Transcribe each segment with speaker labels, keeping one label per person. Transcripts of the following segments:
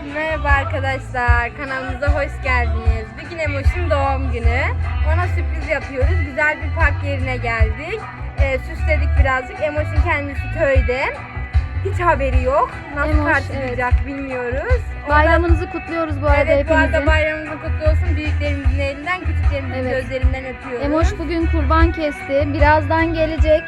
Speaker 1: Merhaba arkadaşlar, kanalımıza hoş geldiniz. Bugün Emoş'un doğum günü. Ona sürpriz yapıyoruz. Güzel bir park yerine geldik. Süsledik birazcık. Emoş'un kendisi köyde. Hiç haberi yok. Nasıl karşılayacak bilmiyoruz.
Speaker 2: Bayramınızı kutluyoruz bu arada
Speaker 1: evet,
Speaker 2: hepinizin.
Speaker 1: bu arada bayramınız kutlu olsun. Büyüklerimizin elinden, küçüklerimizin gözlerinden öpüyoruz.
Speaker 2: Emoş bugün kurban kesti. Birazdan gelecek.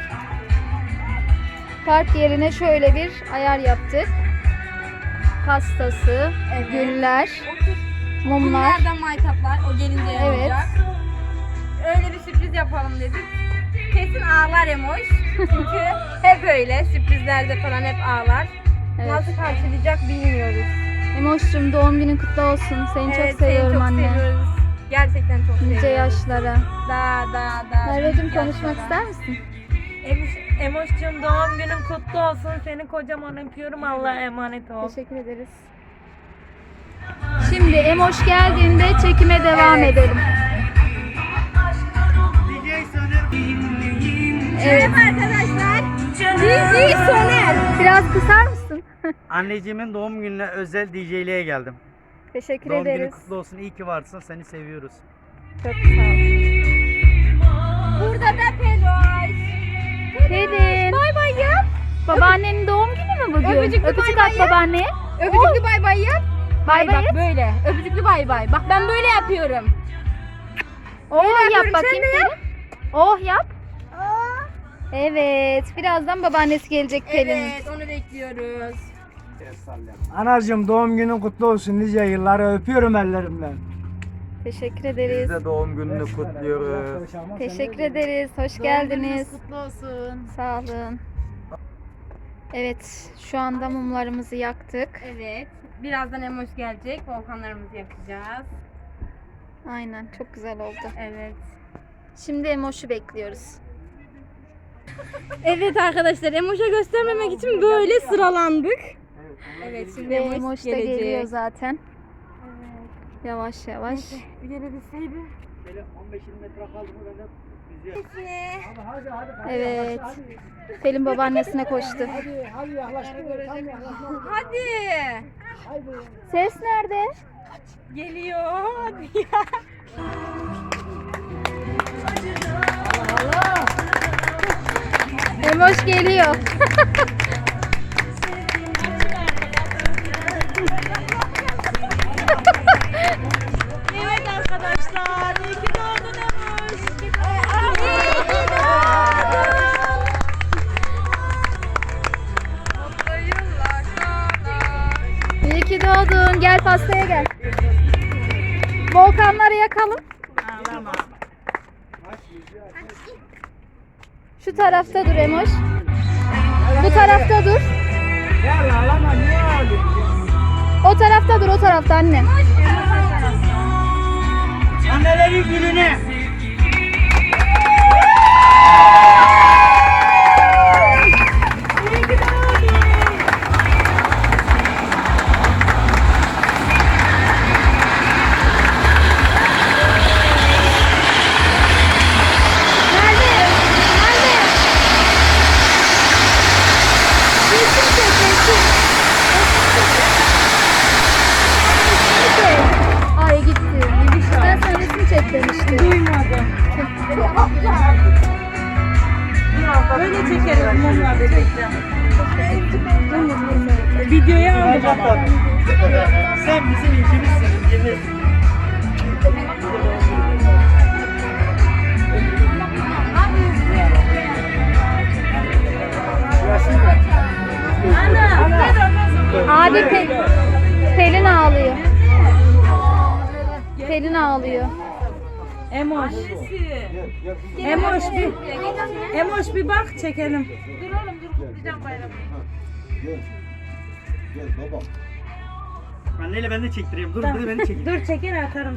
Speaker 2: Park yerine şöyle bir ayar yaptık. Pastası, güller, mumlar.
Speaker 1: Bunlardan maytaplar. O gelince olacak. Öyle bir sürpriz yapalım dedik. Kesin ağlar Emoş. Çünkü hep öyle. Sürprizlerde falan hep ağlar.
Speaker 2: Evet.
Speaker 1: Nasıl karşılayacak bilmiyoruz.
Speaker 2: Emoş'cum doğum günün kutlu olsun. Seni çok seviyorum
Speaker 1: seni çok
Speaker 2: anne.
Speaker 1: seviyoruz. Gerçekten çok seviyoruz.
Speaker 2: Nice yaşlara.
Speaker 1: Daha.
Speaker 2: Merveciğim konuşmak ister misin?
Speaker 3: Emoş'cum doğum günün kutlu olsun. Seni kocaman öpüyorum. Allah'a emanet ol.
Speaker 2: Teşekkür ederiz. Şimdi Emoş geldiğinde çekime devam edelim.
Speaker 1: Evet arkadaşlar. DJ Soner.
Speaker 2: Biraz kısar mısın?
Speaker 4: Anneciğimin doğum gününe özel DJ'liğe geldim.
Speaker 2: Teşekkür
Speaker 4: Doğum günün
Speaker 2: ederiz.
Speaker 4: kutlu olsun. İyi ki varsın. Seni seviyoruz.
Speaker 2: Çok sağ ol.
Speaker 1: Burada da Peloş.
Speaker 2: Pelin.
Speaker 1: Bay bay yap.
Speaker 2: Babaannenin doğum günü mü bugün?
Speaker 1: Öpücüklü
Speaker 2: Öpücük
Speaker 1: bay
Speaker 2: at
Speaker 1: bay yap.
Speaker 2: babaanneye.
Speaker 1: Öpücüklü bay bay yap.
Speaker 2: Bay bay
Speaker 1: Bak
Speaker 2: yap.
Speaker 1: böyle. Öpücüklü bay bay. Bak ben böyle yapıyorum.
Speaker 2: Oh yap
Speaker 1: yapıyorum,
Speaker 2: bakayım
Speaker 1: sen de
Speaker 2: Pelin. Oh yap. Evet. Birazdan babaannesi gelecek Pelin.
Speaker 1: Evet, onu bekliyoruz.
Speaker 5: Anacığım doğum günün kutlu olsun nice yıllara öpüyorum ellerimden.
Speaker 2: Teşekkür ederiz.
Speaker 4: Biz de doğum gününü kutluyoruz.
Speaker 2: Teşekkür ederiz. Hoş geldiniz.
Speaker 3: Kutlu olsun.
Speaker 2: Sağ olun. Evet. Şu anda mumlarımızı yaktık.
Speaker 1: Evet. Birazdan Emoş gelecek. Volkanlarımızı yakacağız.
Speaker 2: Aynen. Çok güzel oldu.
Speaker 1: Evet.
Speaker 2: Şimdi Emoş'u bekliyoruz.
Speaker 1: Evet arkadaşlar, Emoş'a göstermemek için böyle sıralandık. Evet, şimdi
Speaker 2: Ve
Speaker 1: Emoş
Speaker 2: Emoş da
Speaker 1: gelecek.
Speaker 2: geliyor zaten. Yavaş yavaş.
Speaker 1: Bir gelebilseydi.
Speaker 4: Böyle 15-20 metre kaldı mı ben de
Speaker 2: Evet. Pelin babaannesine koştu.
Speaker 5: Hadi yaklaştı.
Speaker 1: Hadi.
Speaker 2: Ses nerede?
Speaker 1: Geliyor. Hadi ya.
Speaker 2: Emoş geliyor.
Speaker 3: Evet arkadaşlar. İyi ki doğdun Emoş.
Speaker 2: İyi ki doğdun. Gel pastaya gel. Volkanları yakalım. Şu tarafta dur Emoş. Bu tarafta dur.
Speaker 5: Ya ağlama niye ağlıyorsun?
Speaker 2: O tarafta dur, o tarafta anne.
Speaker 4: Annelerin gününe.
Speaker 2: Ay gitti. Ben sana resim çek demiştim.
Speaker 3: Duymadım. Böyle çekerim mumla birlikte. Videoya aldım ama.
Speaker 4: Sen bizim ilkimizsin. Yemin.
Speaker 2: Abi Pelin ağlıyor. Pelin ağlıyor.
Speaker 3: Emoş. Emoş bir bak çekelim.
Speaker 4: Anneyle ben de çektireyim. Dur ben de çekeyim.
Speaker 3: Dur çeker atarım.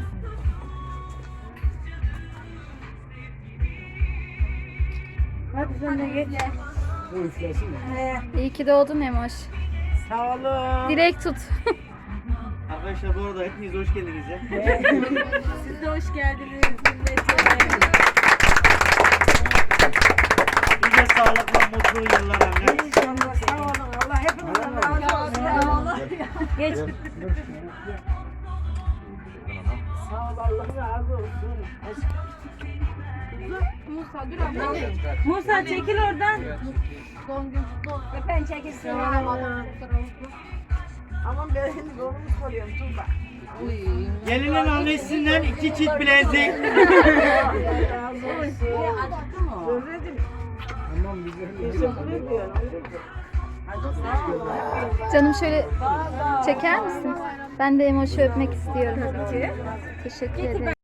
Speaker 3: Hadi sen de geç.
Speaker 2: İyi ki doğdun Emoş.
Speaker 4: Sağ olun.
Speaker 2: Dilek tut.
Speaker 4: Arkadaşlar bu arada hepiniz hoş geldiniz ya.
Speaker 1: Siz de hoş geldiniz.
Speaker 4: Nice sağlıklı, mutlu yıllar anne.
Speaker 3: İnşallah. Sağ olun. Allah hepimizden razı olsun. Geç.
Speaker 1: Musa dur abla.
Speaker 3: Musa çekil oradan.
Speaker 1: Doğum günün kutlu olsun.
Speaker 2: Ben çekilsin.
Speaker 6: Aman ben şimdi kolumu soruyorum Tuğba.
Speaker 4: Gelinin annesinden 2 çift bilezik.
Speaker 6: Söyledim.
Speaker 5: Tamam güzel.
Speaker 6: Teşekkür ediyorum.
Speaker 2: Canım şöyle çeker misin? Ben de Emoş'u öpmek istiyorum. Teşekkür ederim.